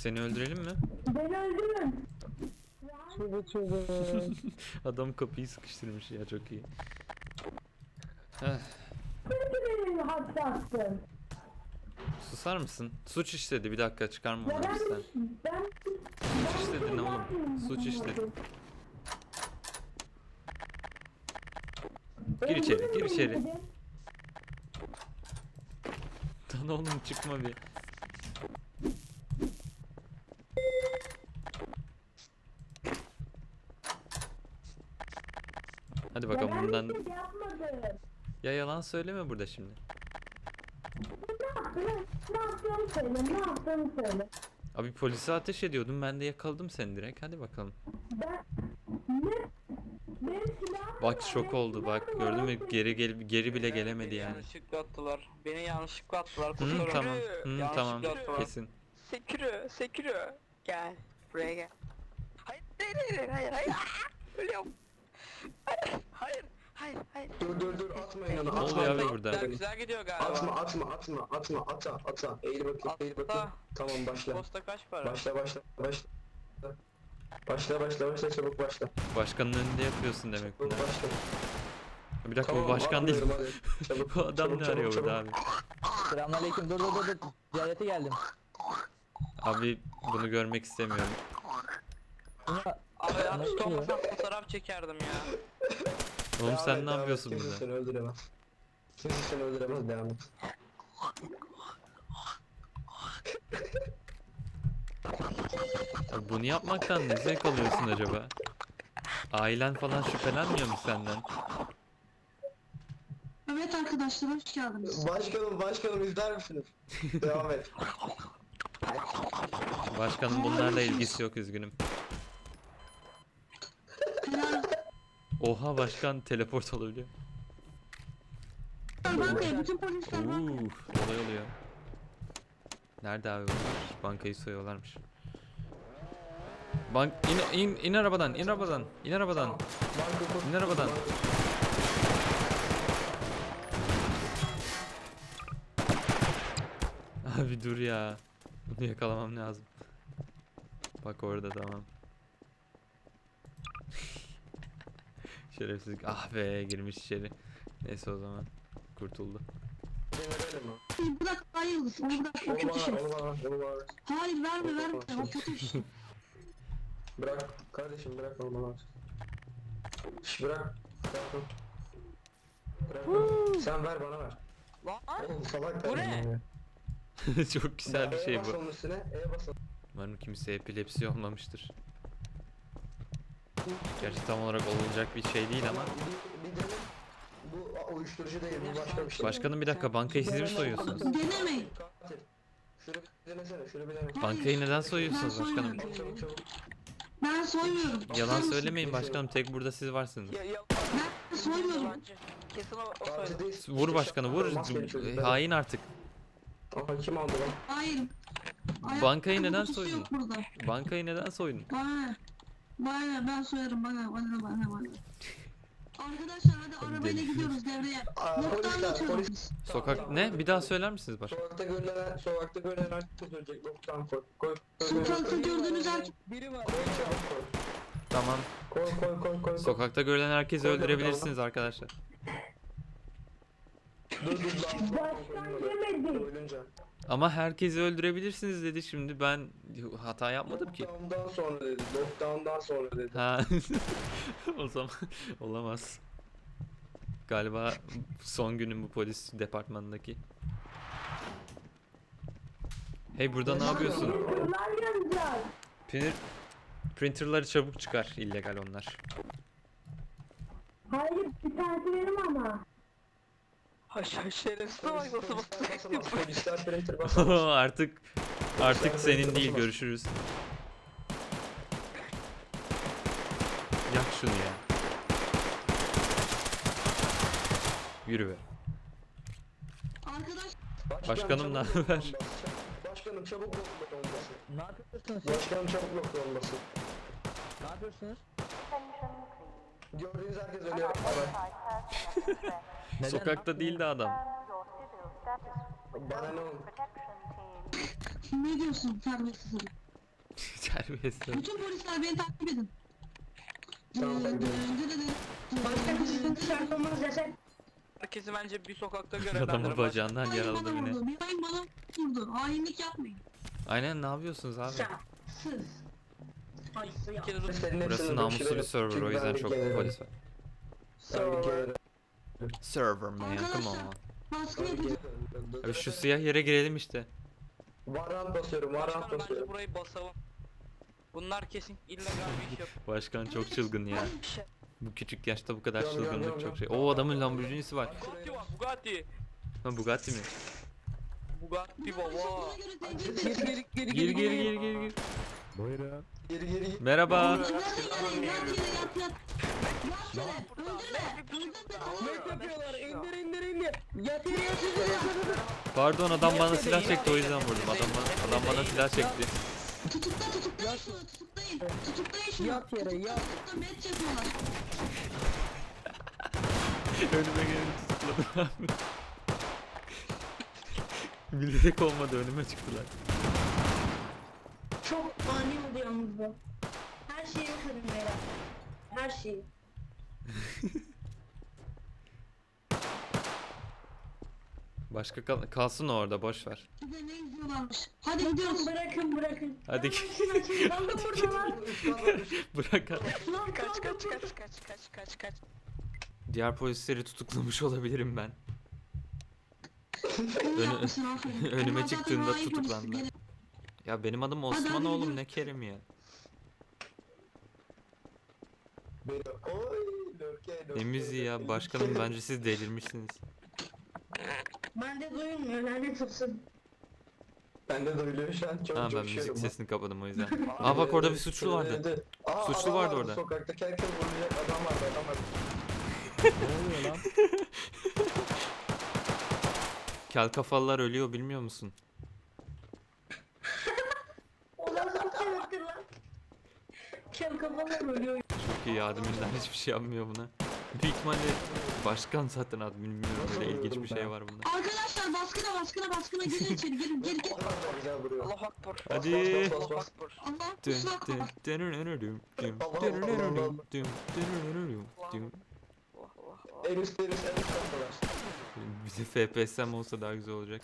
Seni öldürelim mi? Beni öldürün. Adam kapıyı sıkıştırmış ya, çok iyi. Heh, Çünkü beni hapse attın. susar mısın? Suç işledi, bir dakika çıkarma Ya onu hapisten. ben Suç işledin oğlum. Suç işledin. Gir içeri, gir içeri. Lan oğlum çıkma bir. Hadi bakalım bundan. Ya yalan söyleme burada şimdi. Ne yaptığını söyle, ne yaptığını söyle. Abi polise ateş ediyordum, ben de yakaladım seni direkt. Hadi bakalım. Ben ne? Benim silahım Bak var, şok benim oldu bak, silahım gördün var. mü, geri bile gelemedi Beni yani. yanlışlıkla attılar. Beni yanlışlıkla attılar. Hı, Kurtarın. tamam. Hı, Yanlışlıkla tamam. attılar. Kesin. Sekiro. Gel. Buraya gel. Hayır. Ölüyorum. Hayır. Dur atmayın onu. Ne oluyor abi Atma. burada? Güzel gidiyor galiba. Ata. Eğil bakayım. Tamam başla. Posta kaç para? Başla çabuk başla. Başkanın önünde yapıyorsun demek Çabuk bunu. başla. Bir dakika, Tamam, bu başkan değil. anlıyorum, hadi. Çabuk, Bu adam çabuk, ne çabuk, arıyor çabuk. burada abi? Selamünaleyküm. Dur. Ziyarete geldim. Abi bunu görmek istemiyorum. Buna Abi yanlış Nasıl oluyor? olmasam fotoğraf çekerdim ya. Oğlum Devam sen et, ne devam et. yapıyorsun Kimse burada? seni öldüremez. Kimse seni öldüremez, devam et. Abi bunu yapmaktan ne zevk alıyorsun acaba? Ailen falan şüphelenmiyor mu senden? Evet arkadaşlar, hoş geldiniz. Başkanım izler misiniz? Devam et. Başkanın bunlarla ilgisi yok, üzgünüm. Oha, başkan teleport olabiliyor. Bankaya, bütün polisler bankaya. Olay oluyor. Nerede abi bunlar? Bankayı soyuyorlarmış. İn arabadan. İn arabadan. Abi dur ya. Bunu yakalamam lazım. Bak orada, tamam. Şerefsizlik. Ah be, girmiş içeri. Neyse, o zaman kurtuldu. Verelim mi? Bırak, hayır, onu bırak, o Onu kötü şey. bana ver. Hayır, verme, o kötü iş. Bırak kardeşim, bırak onu bana ver. Bırak. Bırak. Sen ver, bana ver. Lan Oğlum salak Bu ne? kardeşim ya. Çok güzel bir şey bas bu. onun üstüne, bas. Umarım kimse epilepsi olmamıştır. Gerçi tam olarak olacak bir şey değil ama. Bir dene. Bu uyuşturucu değil, bu başka bir şey. Başkanım bir dakika, bankayı siz mi soyuyorsunuz? Denemeyin. Katil. Şunu bir denesene, şunu bir dene. Bankayı neden soyuyorsunuz başkanım? Çabuk. Ben soymuyorum. Yalan söylemeyin başkanım, tek burada siz varsınız. Ben soymuyorum. Yalancı. Kesin o Katil soydu. değil. Vur başkanı, vur. Maskeli çocuk. Hain artık. Aha, kim aldı lan? Hayır. Bankayı Ayakkabı neden kutusu soydun? yok burada. Bankayı neden soydun? Bana ben soyarım, bana. Arkadaşlar hadi arabayla Deli. gidiyoruz devreye. Aa, Noktadan geçiyoruz polis. biz. Sokak ne? Bir daha söyler misiniz başkanım? Sokakta görülen herkes ölecek. Loktan koy. Sokakta gördüğünüz herkes. Biri var. Koy çabuk koy. Tamam. Koy. Sokakta görülen herkesi Koy, öldürebilirsiniz arkadaşlar. Dur. Başkan yemedi. Ölünce. Ama herkesi öldürebilirsiniz dedi, şimdi ben hata yapmadım ki. Lockdown'dan sonra dedi. Ha. O zaman olamaz. Galiba son günüm bu polis departmanındaki. Hey, burada ne yapıyorsun? Kırlar yanacak. Printerları çabuk çıkar, illegal onlar. Hayır, bir tanesi benim ama. Şerefsiz bak nasıl basıyor. Polisler printer basamaz. artık senin değil, görüşürüz. Yak şunu ya. Yürü be. Arkadaş, Başkanım, ne haber? Başkanım çabuk lockdown olması. ne yapıyorsunuz siz? Başkanım çabuk lockdown olması. Ne yapıyorsunuz? Gördüğünüz herkes ölüyor. Evet. Neden? Sokakta değil de adam. Bana ne oldu? ne diyorsun terbiyesiz herif? Terbiyesiz. Bütün polisler beni takip edin. Tamam, sen gidelim. Başka bir sıkıntı çarpmamız yasak. Herkesi bence bir sokakta Adamı görevlendirin. bacağından Hain yaraladı bana beni. vurdu. Bir hain bana vurdu. Hainlik yapmayın. Aynen, ne yapıyorsunuz abi? Şahsız. Ay ya. Bir kere dur. Senin Burası hepsini namuslu bir dökülerim. server, Çünkü o yüzden ben çok bir kere- polis var. Ben bir kere- Server man, come Arkadaşlar. on. Baskın ben bir yapacağım. kere- Abi şu siyah yere girelim işte. Varant basıyorum, varant Başkanım bence basıyorum. burayı basalım. Bunlar kesin illegal bir iş yapıyor. Başkan çok çılgın ya. Bu küçük yaşta bu kadar Yok, yok, çılgınlık yok, çok yok. şey. O adamın Lamborghini'si var. Bugatti var, Bugatti. Ha, Bugatti mi? Bugatti baba. Buna göre tehdit edin. Gir gir gir gir gir. Buyurun. Geri geri. Merhaba. Nereden gelin? Yat yere yat yat. Yat yere. Öldürme. Ne yapıyorlar? İndir. Yat yere yat. Pardon, adam bana silah çekti, o yüzden vurdum. Adam bana silah çekti. Tutuklayın şunu. Tutuklayın şunu. Yat yere, yat. Tutukla met yapıyorlar. Önüme gelip tutukladım abi. Bilerek olmadı, önüme çıktılar. Çok ani oldu yalnız bu. Her şeyi kırın beyler. Her şeyi. Başka kalsın orada, boş ver. Size ne izliyorlarmış. Hadi gidiyoruz. Bırakın. Hadi Kaldım burada lan. bırak abi. Lan Kaç kaldım. kaç. Diğer polisleri tutuklamış olabilirim ben. İyi yapmışsın, aferin. önüme Onlar zaten çıktığında hain polis. tutuklandılar. Gelin. Ya benim adım Hadi, Osman hadi oğlum, gidiyoruz. ne Kerim ya. Oy, lörke. Ne müziği ya başkanım, bence siz delirmişsiniz. Bende duyulmuyor lanet olsun. Ben de duyuluyor şu an, çok Tamam, ben coşuyorum. müzik sesini kapadım o yüzden. Aa bak, orada bir suçlu vardı. Aa, Suçlu adam vardı orada. Sokaktaki herkes vuracak adam vardı. Ne oluyor lan? Kel kafalılar ölüyor, bilmiyor musun? O nasıl bir sebeptir lan? Kel kafalar ölüyor. Çok iyi, adminler hiçbir şey yapmıyor buna. Büyük ihtimalle başkan zaten admin, bilmiyorum, böyle ilginç bir şey var bunda. Arkadaşlar baskına girin içeri girin gir gir. Onlar da güzel vuruyor. Allah akbar. Hadi. Allah akbar. Allah Dün kusura dün bakma. dün dün dün. En üst kapılar. Bize FPS'm olsa daha güzel olacak.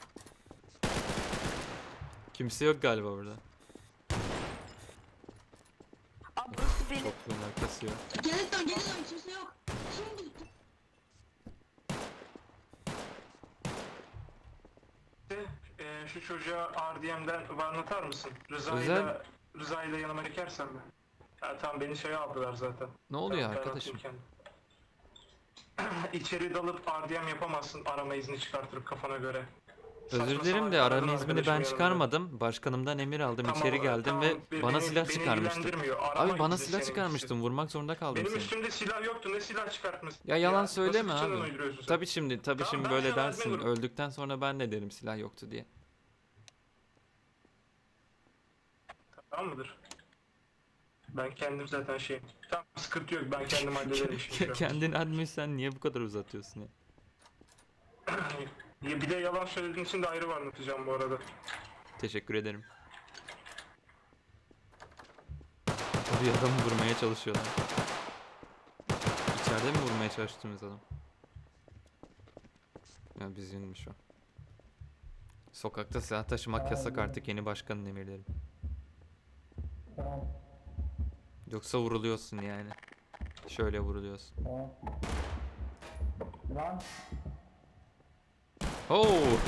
Kimse yok galiba burada. Abi burası benim. Toplumun arkası yok. Gelin dön kimse yok. Şimdi Şu çocuğa RDM'den anlatar mısın? Özel- Rıza'yla yanıma çekersen mi? Ya tamam, beni şeye aldılar zaten. Ne oluyor Ben arkadaşım? atayım kendim. İçeri dalıp RDM yapamazsın, arama izni çıkartırıp kafana göre. Özür Saçma dilerim sapan de kadın arama iznini arkadaşım ben yanında. çıkarmadım. Başkanımdan emir aldım, Tamam, içeri geldim tamam, ve bana beni- silah beni çıkarmıştı. ilgilendirmiyor. Arama Abi bana izni silah senin çıkarmıştın, için. vurmak zorunda kaldım Benim seni. üstümde silah yoktu, ne silah çıkartmışsın? Ya yalan nasıl söyleme suçundan abi. uyduruyorsun sen? Tabii şimdi Tamam, şimdi ben böyle sana dersin. admin Öldükten sonra ben de derim silah yoktu diye. Tamam mıdır? Ben kendim zaten şey... Tamam, sıkıntı yok, ben kendim hallederim şimdi. şu an. Kendin admin, sen niye bu kadar uzatıyorsun ya? Ya bir de yalan söylediğin için de ayrı bir anlatacağım bu arada. Teşekkür ederim. Tabii adamı vurmaya çalışıyorlar. İçeride mi vurmaya çalıştığımız adam? Ya biz yunmuş o. Sokakta silah taşımak yasak artık, yeni başkanın emirleri. Yoksa vuruluyorsun yani. Şöyle vuruluyorsun. Lan. Oo!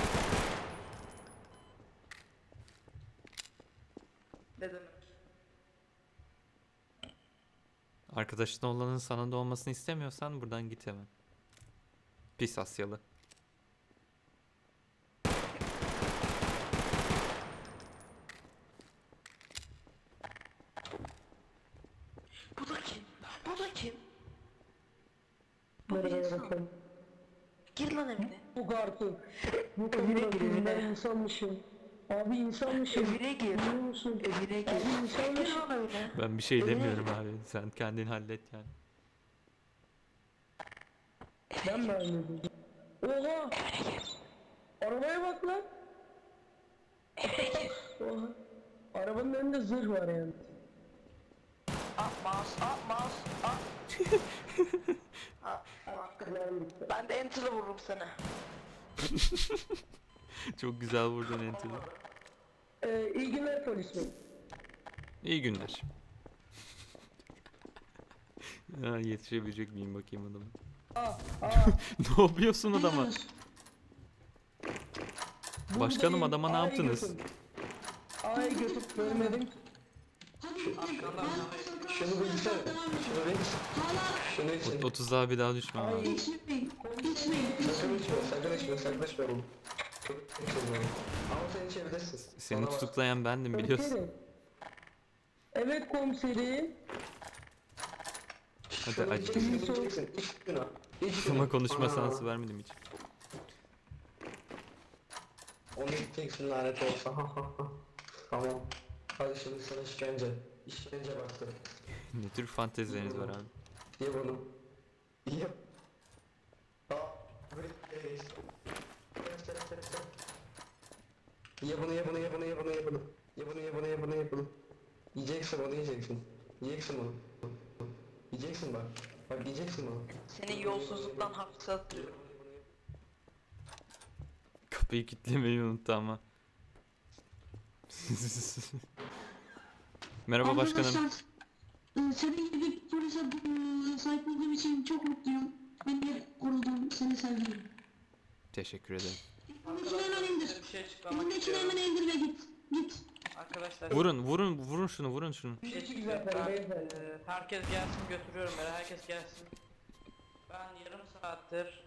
Ne demek? Arkadaşın olanın sana da olmasını istemiyorsan buradan git hemen. Pis Asyalı. Bu da kim? Bu da kim? Nereye bakalım? Gir lan evine. Bu artık. Bu kadar ben insanmışım. Abi insanmışım. Evine gir. Biliyor musun? Evine gir. Abi Gir insanmışım. lan evine. Ben bir şey demiyorum abi. Sen kendin hallet yani. Ben mi anladım? Oha! Arabaya bak lan! Oha! Arabanın önünde zırh var yani. Mouse. Ben de enter'ı vururum sana. Çok güzel vurdun Enter'ı. İyi günler polis bey. İyi günler. Ha, yetişebilecek miyim bakayım adama. Ne yapıyorsun adama? Başkanım adama ne yaptınız? Ay götüp görmedim. Şunu bir gitsene. Şunu bir Şunu için. 30'a bir daha düşme abi. Geçmeyin. Geçmeyin. Sakın içme oğlum. Ama sen içebilirsin. Seni Bana bak. tutuklayan bendim biliyorsun. Komiserim. Evet komiserim. Hadi Şunu acı. içeceksin, içeceksin. İç şunu. İç şunu. Ama konuşma Aa, şansı vermedim hiç. Onu içeceksin lanet olsa. Tamam. Hadi şimdi sana işkence. İşkence baktı. Ne tür fantezileriniz var abi? Ye bunu. Ye. Aa, böyle geç. Ye bunu. Ye bunu. Yiyeceksin onu yiyeceksin. Yiyeceksin bunu. Yiyeceksin bak. Bak yiyeceksin bunu. Seni yolsuzluktan hapse atıyorum. Kapıyı kilitlemeyi unuttu ama. Merhaba başkanım. Arkadaşlar, senin gibi bir polise sahip olduğum için çok mutluyum. Beni korudun, seni sevdim. Teşekkür ederim. Önündekini hemen indir. Size bir şey açıklamak Önündekini istiyorum. hemen indir ve git. Git. Arkadaşlar Vurun şunu. bir şey Hiç çıkacak. güzel Ben, beyefendi. herkes gelsin götürüyorum beni. Herkes gelsin. Ben yarım saattir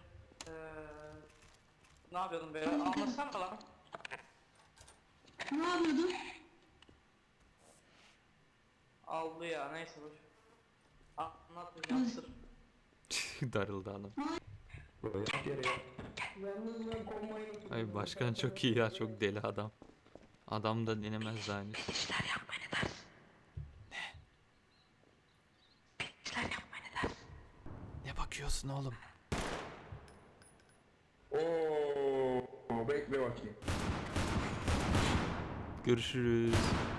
ne yapıyordum böyle? Anlatsana lan. Ne yapıyordun? Aldı ya neyse dur. Anlatmayacağım sır. Darıldı adam. Yap yere yap. Yalnız ben konmayı... Ay başkan çok iyi ya, çok deli adam. Adam da denemez daha henüz. Ne bakıyorsun oğlum? Oo, bekle bakayım. Görüşürüz.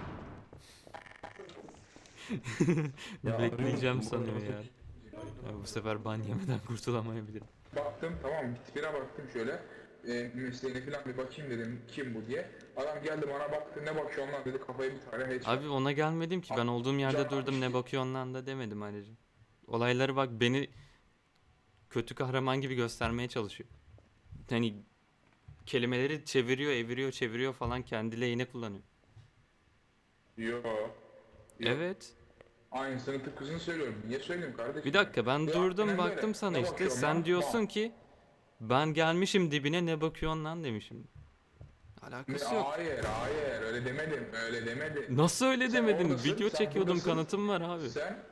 Bekleyeceğim sanıyor ya. Ya bu sefer ban yemeden kurtulamayabilirim. Baktım tamam mı? Tipine baktım şöyle. Mesleğine falan bir bakayım dedim kim bu diye. Adam geldi bana baktı ne bakıyorsun lan dedi kafayı bir tane headshot. Abi ona gelmedim ki, ben olduğum yerde durdum, ne bakıyorsun lan da demedim ayrıca. Olayları bak, beni kötü kahraman gibi göstermeye çalışıyor. Hani kelimeleri çeviriyor falan, kendi lehine kullanıyor. Yo. Evet. Aynısını tıpkısını söylüyorum. Niye söyleyeyim kardeşim? Bir dakika, ben Ya, durdum aynen baktım böyle. sana Ne işte. bakıyorsun Sen lan? diyorsun Bak. ki ben gelmişim dibine, ne bakıyorsun lan demişim. Alakası yok. Hayır öyle demedim. Nasıl öyle Sen demedim? oradasın, Video sen çekiyordum, buradasın. kanıtım var abi.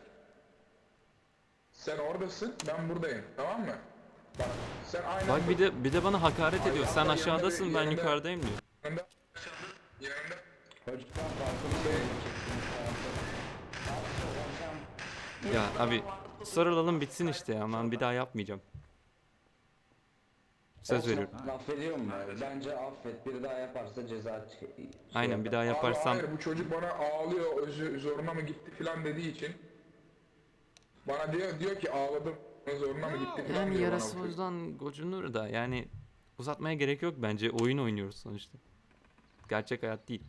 Sen oradasın ben buradayım tamam mı? Bak sen aynen Bak bir de bana hakaret Ay, ediyor. hatta Sen yanında aşağıdasın, bir- ben yanında- yukarıdayım diyor. yanında Ya abi sarılalım bitsin işte ya, aman bir daha yapmayacağım. Söz veriyorum. Affediyorum ben. Bence affet. Biri daha yaparsa ceza Aynen, bir daha Abi yaparsam hayır bu çocuk bana ağlıyor zoruna mı gitti filan dediği için bana diyor ki ağladım zoruna mı gitti filan yani diyor yarası bana bu çocuk. buzdan gocunur da, yani uzatmaya gerek yok bence, oyun oynuyoruz sonuçta. Gerçek hayat değil.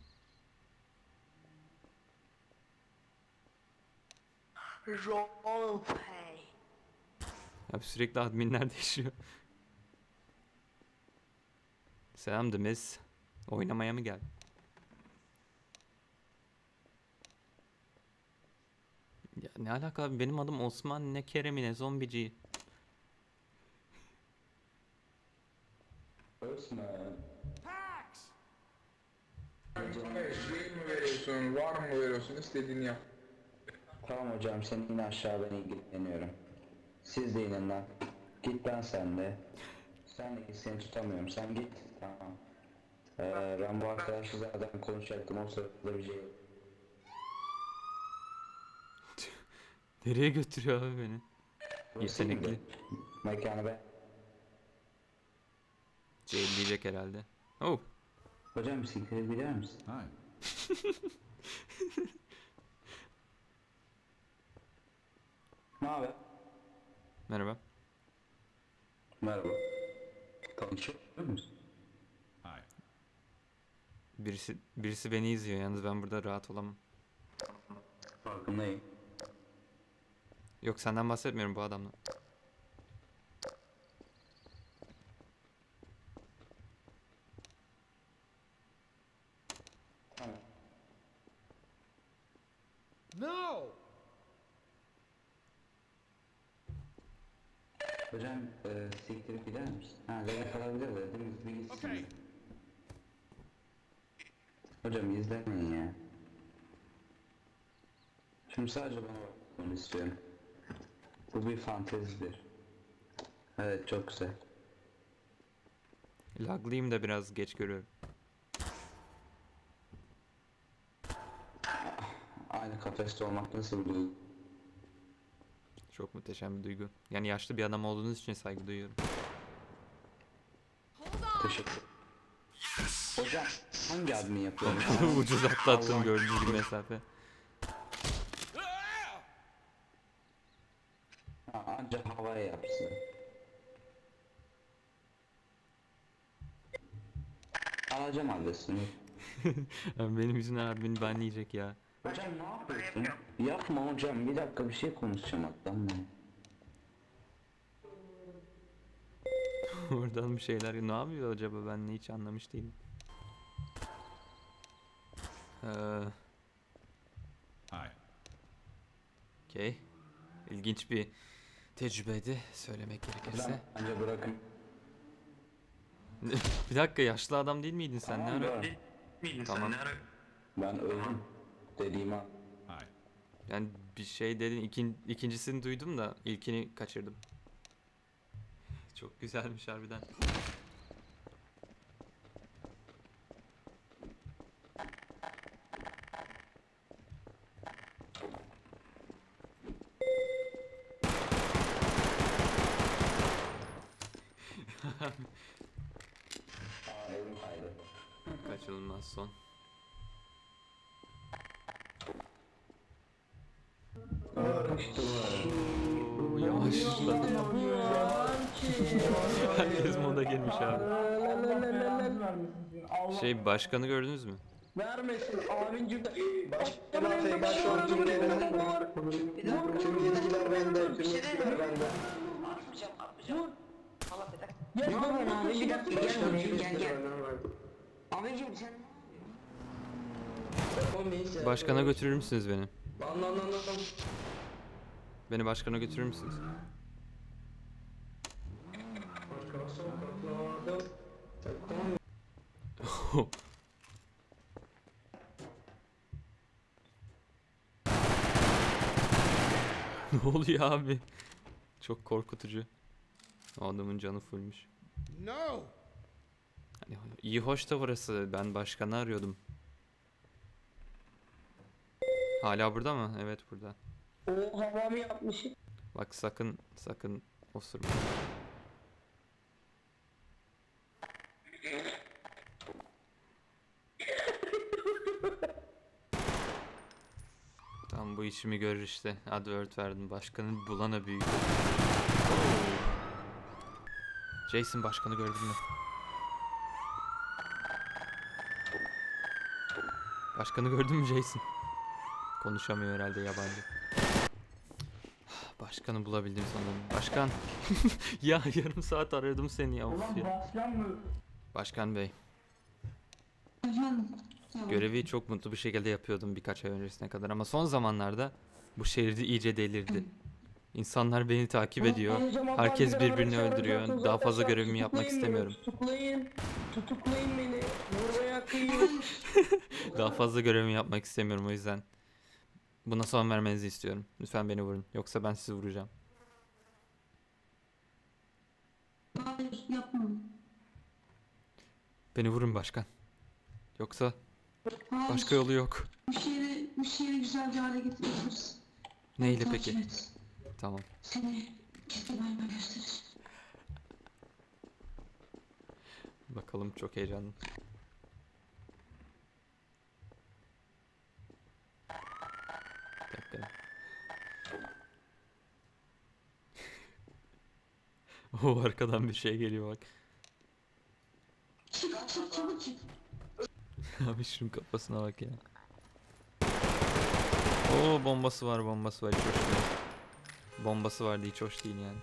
Roleplay. Abi sürekli adminler değişiyor. Selam Demiz. Oynamaya mı geldin? Ya ne alaka abi, benim adım Osman, ne Kerem'i ne zombici. Osman. Hayır, şey mi veriyorsun, var mı veriyorsun, istediğini yap. Tamam hocam sen in aşağı, ben ilgileniyorum. Siz de inin lan. Git lan sen de. Sen de git, seni tutamıyorum. Sen git. Tamam. Ben bu arkadaşla zaten konuşacaktım. O sırada bir şey yok. Nereye götürüyor abi beni? Burası Yetenekli. iyiydi. Mekanı be. Cehilleyecek herhalde. Oh. Hocam bisiklete bilir misin? Ne haber? Merhaba. Merhaba. Tanışıyor musun? Birisi beni izliyor yalnız ben burada rahat olamam. Farkındayım. Yok senden bahsetmiyorum bu adamla. Tamam. Hocam siktirip gider misin? Ha level kalabilir de değil mi? Bir gitsin. Hocam izlemeyin ya. Şimdi sadece bana bakmanı istiyorum. Bu bir fantezidir. Evet çok güzel. Laglıyım da biraz geç görüyorum. Aynı kafeste olmak nasıl bir duygu? Çok muhteşem bir duygu. Yani yaşlı bir adam olduğunuz için saygı duyuyorum. Teşekkür. Hocam hangi admin yapıyor? Ucuz atlattım gördüğünüz gibi mesafe. Ha, ancak havaya yapsın. Alacağım adresini. Benim yüzümden admin banleyecek ya. Hocam ne yapıyorsun? Yapma hocam bir dakika bir şey konuşacağım atlanma. Oradan bir şeyler ne yapıyor acaba ben hiç anlamış değilim. Okey. İlginç bir tecrübeydi söylemek Hocam gerekirse. anca bırakın. Bir dakika yaşlı adam değil miydin sen? Ne ara? Tamam. Ben öldüm. Dediğim an. Yani bir şey dedin ikincisini duydum da ilkini kaçırdım. Çok güzelmiş harbiden. Aa elim kaydı. Kaçınılmaz son. Oo, yavaşladı. Herkes moda girmiş abi. Şey başkanı gördünüz mü? Vermesin abincim de. Başkan Afey, ben şu an tüm yetkiler tüm yetkiler bende, tüm yetkiler bende. Atmayacağım atmayacağım. Allah bir dakika. Gel bana abi bir dakika gel Başkan buraya tüm gel yetkiler gel. benden verdi. Abicim sen Oğlum neyse. Başkana götürür müsünüz beni? Lan. Beni başkana götürür müsünüz? Başkan sokaklarda. Takım. Ne oluyor abi? Çok korkutucu. O adamın canı fullmüş. No. Hani iyi hoş da burası. Ben başkanı arıyordum. Hala burada mı? Evet burada. o havamı yapmışım. Bak sakın osurma. Tam bu işimi görür işte. Advert verdim. Başkanın bulana büyük. Jason başkanı gördün mü? Başkanı gördün mü Jason? Konuşamıyor herhalde yabancı. Başkanı bulabildim sanırım. Başkan. Ya yarım saat aradım seni ya. Of ya. Başkan mı? Başkan Bey. Efendim. Tamam. Görevi çok mutlu bir şekilde yapıyordum birkaç ay öncesine kadar ama son zamanlarda bu şehirde iyice delirdi. İnsanlar beni takip ediyor. Herkes birbirini öldürüyor. Daha fazla görevimi yapmak istemiyorum. Tutuklayın beni. Vurmaya kıyın. Daha fazla görevimi yapmak istemiyorum o yüzden. Buna son vermenizi istiyorum. Lütfen beni vurun. Yoksa ben sizi vuracağım. Hayır yapmam. Beni vurun başkan. Yoksa Hayır. başka yolu yok. Bu şehri güzel bir hale getiririz. Neyle Takip peki? et. Tamam. Seni kesinlikle göstereceğim. Bakalım çok heyecanlı. O arkadan bir şey geliyor bak. Çık çık çabuk çık. Abi şunun kafasına bak ya. Oo bombası var bombası var hiç hoş değil. Bombası vardı hiç hoş değil yani.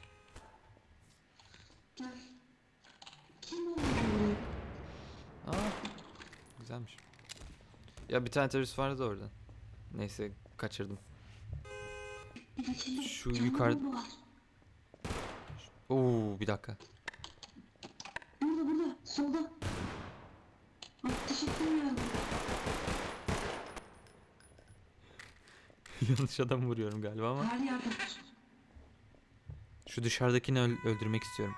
Gel. Kim oldu buraya? Aa güzelmiş. Ya bir tane terörist vardı da orada. Neyse kaçırdım. Bir dakika. Şu Canlı yukarı- bomba var. Oo bir dakika. Burada solda. Ateş etmiyorum. Yanlış adam vuruyorum galiba ama. Her yerde. Şu dışarıdakini öldürmek istiyorum.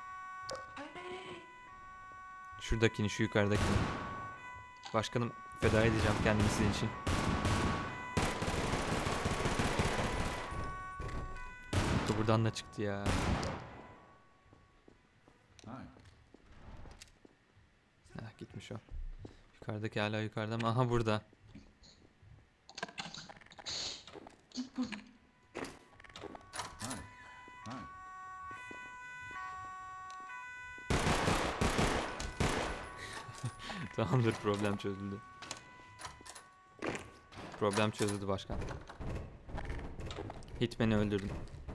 Şuradakini, şu yukarıdakini. Başkanım feda edeceğim kendimi sizin için. Bu buradan da çıktı ya. Heh, gitmiş o. Yukarıdaki hala yukarıda ama aha burada. Git buradan. Tamamdır problem çözüldü. Problem çözüldü başkan. Hitman'i öldürdüm.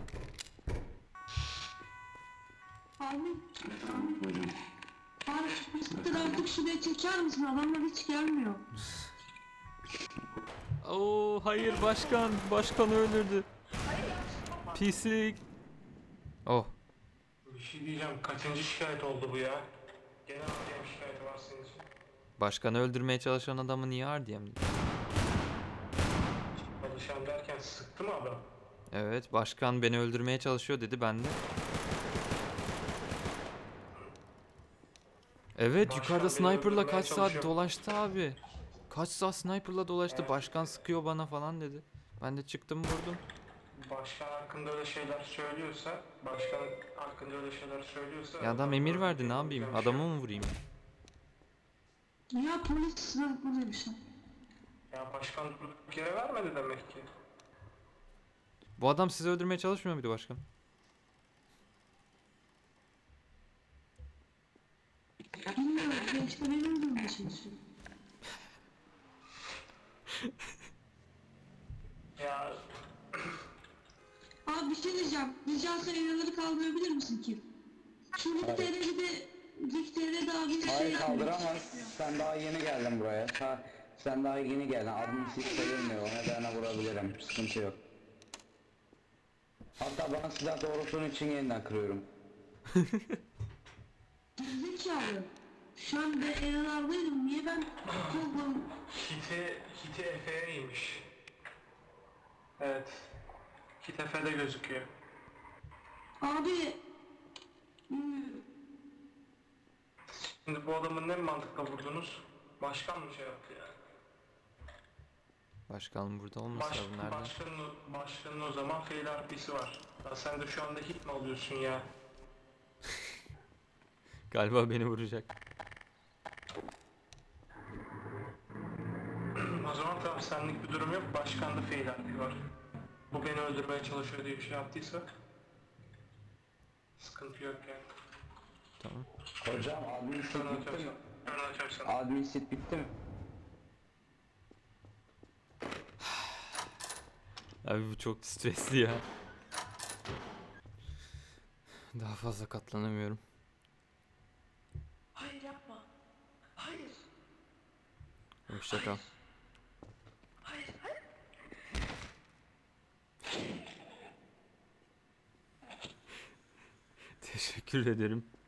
Abi. Abi şu bisiklet artık şuraya çeker misin? Adamlar hiç gelmiyor. Oo hayır başkan. Başkanı öldürdü. Pislik. Oh. Bir şey diyeceğim. Kaçıncı şikayet oldu bu ya? Gene RDM şikayeti var senin için. Başkanı öldürmeye çalışan adamı niye RDM'di? Çalışan derken sıktı mı adam? Evet başkan beni öldürmeye çalışıyor dedi ben de. Evet Başkan yukarıda beni sniper'la öldürmeye kaç saat çalışıyor. dolaştı abi. Kaç saat sniper'la dolaştı. Evet. Başkan sıkıyor bana falan dedi. Ben de çıktım vurdum. Başkan hakkında öyle şeyler söylüyorsa, başkan hakkında öyle şeyler söylüyorsa... Ya adam emir verdi ne yapayım? Adamı mı vurayım? Ya polis sıra buradaymış lan. Ya başkan durduk yere vermedi demek ki. Bu adam sizi öldürmeye çalışmıyor muydu başkan? Bilmiyorum. Belki de beni öldürmeye çalışıyor. Ya Abi bir şey diyeceğim. Rica etsem evraları kaldırabilir misin ki? Şu Rikter'e de Rikter'e daha bir şey Hayır yapmıyor. kaldıramaz. Sen daha yeni geldin buraya. Sen daha yeni geldin. Admin siz sayılmıyor. O nedenle vurabilirim. Sıkıntı yok. Hatta bana silah doğrulttuğun için yeniden kırıyorum. Zekalı. Şu an ben evralardaydım. Niye ben kovdum? Hiti Efe'ymiş. Evet. Hit Efe'de gözüküyor. Abi. Şimdi bu adamın ne mantıkla vurdunuz? Başkan mı şey yaptı yani? Başkanım burada olmasa bu nerede? Başkanın o zaman fail RP'si var. Ya sen de şu anda hit mi alıyorsun ya? Galiba beni vuracak. O zaman tamam senlik bir durum yok. Başkanda fail RP var. Bu beni öldürmeye çalışıyor diye bir şey yaptıysa sıkıntı yok yani. Tamam. Hocam admin sit Şunu bitti mi? açarsan. Şunu açarsan. Admin sit bitti mi? Abi bu çok stresli ya. Daha fazla katlanamıyorum. Hayır yapma. Hayır. Hoşça kal. Hayır. Hayır. Teşekkür ederim.